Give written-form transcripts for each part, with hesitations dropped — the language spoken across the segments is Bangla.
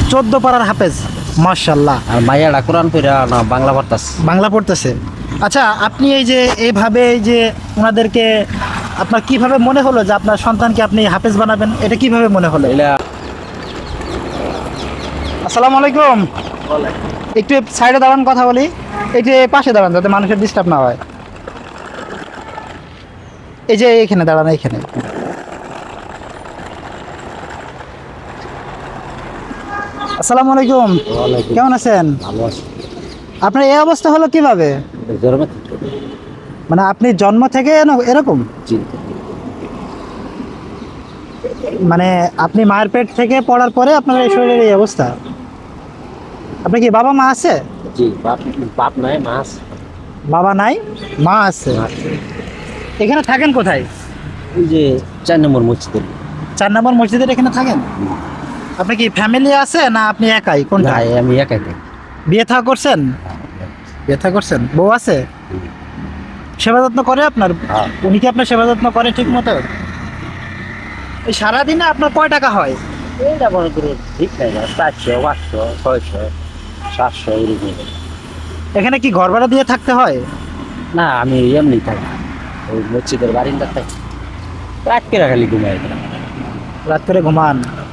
14 পারার হাফেজ, মাশাআল্লাহ। আর মাইয়াটা কোরআন পড়া না বাংলা পড়তাছে। বাংলা পড়তেছে। আচ্ছা, আপনি এই যে এইভাবে এই যে ওনাদেরকে আপনার কিভাবে মনে হলো যে আপনার সন্তানকে আপনি হাফেজ বানাবেন, এটা কিভাবে মনে হলো? এলা আসসালামু আলাইকুম। একটু সাইডে দাঁড়ান, কথা বলি। একটু পাশে দাঁড়ান যাতে মানুষের ডিস্টার্ব না হয়। এই যে এখানে দাঁড়ান, এইখানে। আসসালামু আলাইকুম, ওয়ালাইকুম। কেমন আছেন? ভালো আছে। আপনার এই অবস্থা হলো কিভাবে? জরমে মানে আপনি জন্ম থেকে এরকম, চিন্তা। মানে আপনি মায়ের পেট থেকে পড়ার পরে আপনার এই শরীরের এই অবস্থা? আপনার কি বাবা মা আছে? জি, বাপ বাপ নাই, মা আছে। বাবা নাই, মা আছে। মা আছে। এখানে থাকেন কোথায়? ওই যে 4 নম্বর মসজিদে। 4 নম্বর মসজিদের এখানে থাকেন? আপনি কি ফ্যামিলি আছে না আপনি একাই, কোনটা? না, আমি একাই থাকি। বিয়ে থা করছেন? বিয়ে থা করছেন, বউ আছে? সেবা যত্ন করে আপনার? হ্যাঁ। উনি কি আপনার সেবা যত্ন করে ঠিক মতো? এই সারাদিনে আপনার কয় টাকা হয়? এইটা মনে করুন ঠিক নাই না, 400, 500, 600, 700 এরকম। এখানে কি ঘর ভাড়া দিয়ে থাকতে হয়? না, আমি এমনি থাকি, ওই মসজিদের বারিন্দা থাকি। রাত করে খালি ঘুমাই। রাত করে ঘুমান?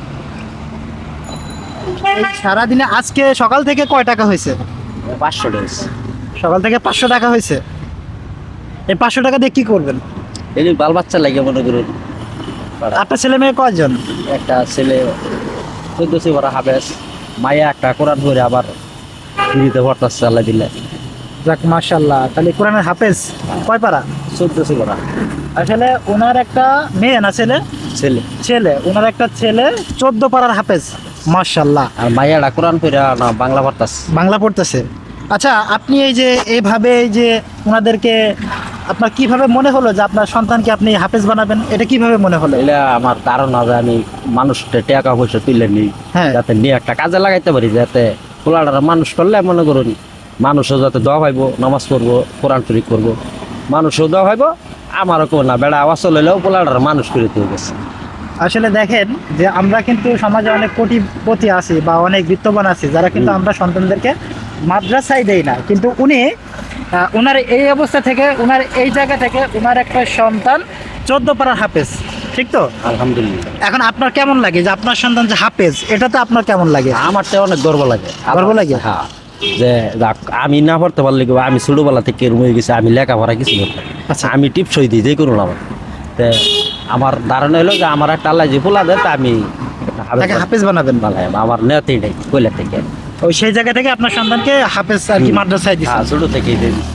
এই সারাদিনে আজকে সকাল থেকে কয় টাকা হয়েছে? 500 ডেজ। সকাল থেকে 500 টাকা হয়েছে। এই 500 টাকা দিয়ে কি করবেন? এই বাল বাচ্চা লাগে মনে করুন। আপনার ছেলে মেয়ে কয়জন? একটা ছেলে 14 বড় হাফেজ, মায়া একটা কোরআন পড়ে আবার দিতে পড়তাছে আল্লাহ দিলে। যাক মাশাআল্লাহ, তাহলে কোরআনের হাফেজ কয় পারা? 14 বড় আসলে ওনার একটা মেয়ে না ছেলে? ছেলে। ছেলে, ওনার একটা ছেলে 14 পারার হাফেজ, মাশাআল্লাহ। আর মাইয়াটা কোরআন পড়া না বাংলা পড়তাছে। বাংলা পড়তেছে। আচ্ছা, আপনি এই যে এইভাবে এই যে ওনাদেরকে আপনার কিভাবে মনে হলো যে আপনার সন্তানকে আপনি হাফেজ বানাবেন, এটা কিভাবে মনে হলো? এটা আমার ধারণা যে আমি মানুষটা টাকা পয়সা তুলে নিই, হ্যাঁ। যাতে নিয়ে একটা কাজে লাগাইতে পারি, যাতে পোলাটা মানুষ করলে মনে করুন মানুষও যাতে দোয়া পাইব, নামাজ পড়বো, কোরআন শরীফ করবো, মানুষও দোয়া পাইব, আমারও কেউ না বেড়া আওয়াজ হইলেও পোলাটার মানুষ করে দিয়ে গেছে। আসলে দেখেন যে আমরা কিন্তু সমাজে অনেক কোটিপতি আছি বা অনেক বিত্তবান আছি যারা কিন্তু আমরা সন্তানদেরকে মাদ্রাসায় দেই না, কিন্তু উনি ওনার এই অবস্থা থেকে, ওনার এই জায়গা থেকে ওনার একটা সন্তান 14 পারার হাফেজ, ঠিক তো? আলহামদুলিল্লাহ। এখন আপনার কেমন লাগে যে আপনার সন্তান যে হাফেজ, এটা তো আপনার কেমন লাগে? আমার তো অনেক গর্ব লাগে। গর্ব লাগে? হ্যাঁ, যে যাক, আমি না পড়তে পারলে কি, আমি ছোটবেলা থেকে এরকম হয়ে গেছি, আমি লেখাপড়া কিছু করতাম। আচ্ছা। আমি টিপসই দিই যে করুন আমার। তে আমার ধারণা হলো যে আমার একটা আল্লাহ যে পোলা দেয়, তা আমি তাকে হাফেজ বানাবেন? বানাই। আমার নেতেই নেই কইলা থেকে। ওই সেই জায়গা থেকে আপনার সন্তানকে হাফেজ আর কি মাদ্রাসায় দিচ্ছেন? হ্যাঁ, ছোট থেকেই দিই।